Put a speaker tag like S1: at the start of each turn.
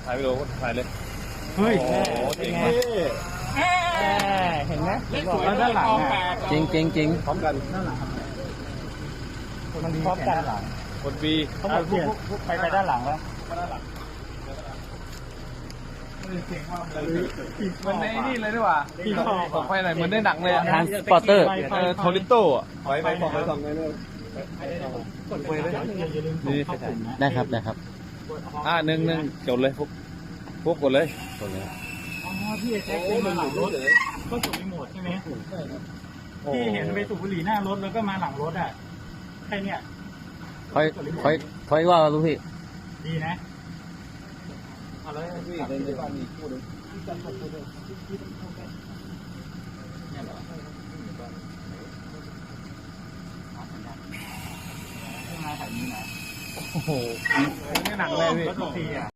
S1: ถ่ายวิดีโอถ่ายเลย
S2: เฮ้ย
S1: โอ้โหจริงไหม
S2: เห็นไหมบอกแล้วด้านหลังจริงจริงจริง
S1: พร้อมกัน
S2: มันพร้อมกันหลัง
S1: คนปี
S2: เขาบอกไปด้านหลังแล้ว
S1: มันในนี่เลยดีกว่าตกไปไหนเหมือนในหนังเลยอะ
S2: ทานสปอร์เตอร์
S1: โทริโต้อะ
S3: ไปบอกไปส่งไปเลย
S1: นี่
S2: ได้ครับได้ครับ
S1: หนึ่งจดเลยพวกกดเลย
S2: กดเลย
S4: อ๋อพี่แจ็คเป็นมาหลังรถก็สูบรีโมทใช่ไหมพี่เห็นไปสูบบุหรี่หน้ารถแล้วก็มาหลังรถอ่ะแค่เนี้ย
S2: ค่อยว่าลูกพี่
S4: ดีนะ
S3: พี่เดินไปบ้านมีคู่นึง
S4: มาถ่ายนี้นะ
S1: โอ้โหในหนังเลยพี่
S4: รถทุกทีอ่ะ